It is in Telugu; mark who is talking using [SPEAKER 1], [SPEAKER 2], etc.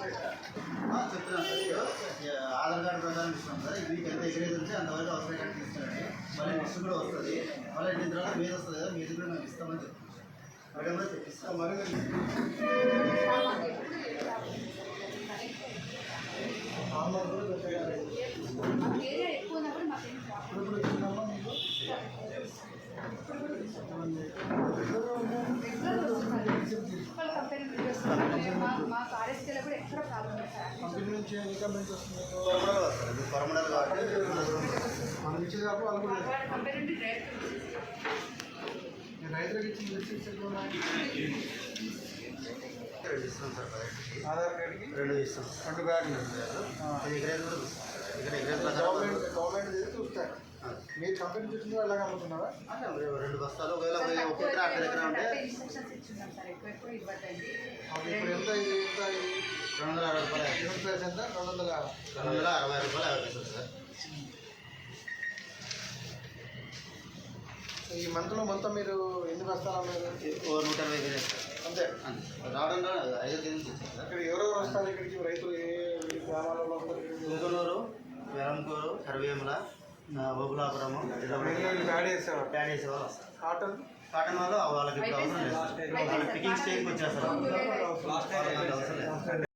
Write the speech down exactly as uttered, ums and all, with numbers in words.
[SPEAKER 1] సార్ ఆధార్ కార్డు ప్రకారం ఇస్తాం సార్ మీకు ఎంత ఎగ్రేజ్ ఉంటే అంతవరకు అవసరం కానీ తీసుకోండి మళ్ళీ నెక్స్ట్ కూడా వస్తుంది మళ్ళీ దీని తర్వాత మీద వస్తుంది కదా మీద కూడా మేము ఇస్తామని చెప్తాం మేడం కూడా తెప్పిస్తాం మరి
[SPEAKER 2] మా కార్యక్రమాలు కూడా ఎక్కడ ప్రాబ్లం
[SPEAKER 3] కంపెనీ నుంచి ఏ కంపెనీ వస్తుంది
[SPEAKER 1] పరమడల్ కాబట్టి
[SPEAKER 3] మనం ఇచ్చేది కాదు వాళ్ళు కూడా
[SPEAKER 2] కంపెనీ నుండి డైరెక్ట్
[SPEAKER 3] రైతులకు ఇచ్చిన లిస్టెన్స్ ఎట్లా ఉన్నాయి
[SPEAKER 1] రెండు ఇస్తాం సార్
[SPEAKER 3] ఆధార్ కార్డుకి
[SPEAKER 1] రెండు ఇస్తాం
[SPEAKER 3] రెండు బ్యాగులు
[SPEAKER 1] అది ఎగ్రేజ్ కూడా ఇస్తాం ఇక్కడ ఎగ్రేజ్
[SPEAKER 3] గవర్నమెంట్ గవర్నమెంట్ చేసి చూస్తారు మీరు కంపెనీ చూసింది ఎలాగ అమ్ముతున్నారా
[SPEAKER 1] రెండు బస్తాలు ఒకవేళ ఒక ఎకరా అర్ధ ఎకరా ఉంటే
[SPEAKER 2] ఇన్స్ట్రక్షన్స్ ఇచ్చున్నాం సార్ ఎక్కువ ఎక్కువ ఇవ్వద్దండి
[SPEAKER 3] ఇప్పుడు ఎంత ఇది ఎంత ఇది
[SPEAKER 1] రెండు వందల అరవై రూపాయలు
[SPEAKER 3] యూనిట్ ప్రైస్ ఎంత రెండు వందల
[SPEAKER 1] రెండు వందల అరవై రూపాయలు యాభై పైసలు సార్
[SPEAKER 3] ఈ మంత్లో మొత్తం మీరు ఎన్ని బస్తాలు అమ్మారు
[SPEAKER 1] ఓ నూట ఇరవై కేజీ సార్
[SPEAKER 3] అంతే
[SPEAKER 1] అంతే రావడం ఐదు కేజీలు తెచ్చారు సార్
[SPEAKER 3] ఇక్కడ ఎవరెవరు వస్తారు ఇక్కడికి రైతులు ఏ గ్రామాలలో వస్తారు
[SPEAKER 1] తుంగనూరు వెలంకూరు కరివేముల బొబులాపురము
[SPEAKER 3] ప్యాడ్ వేసేవారు
[SPEAKER 1] ప్యాడ్ వేసే వాళ్ళు వస్తారు
[SPEAKER 3] కాటన్
[SPEAKER 1] కాటన్ వాళ్ళు వాళ్ళకి ఇప్పుడు అవసరం లేదు వాళ్ళకి పికింగ్ స్టేజ్కి వచ్చేస్తారు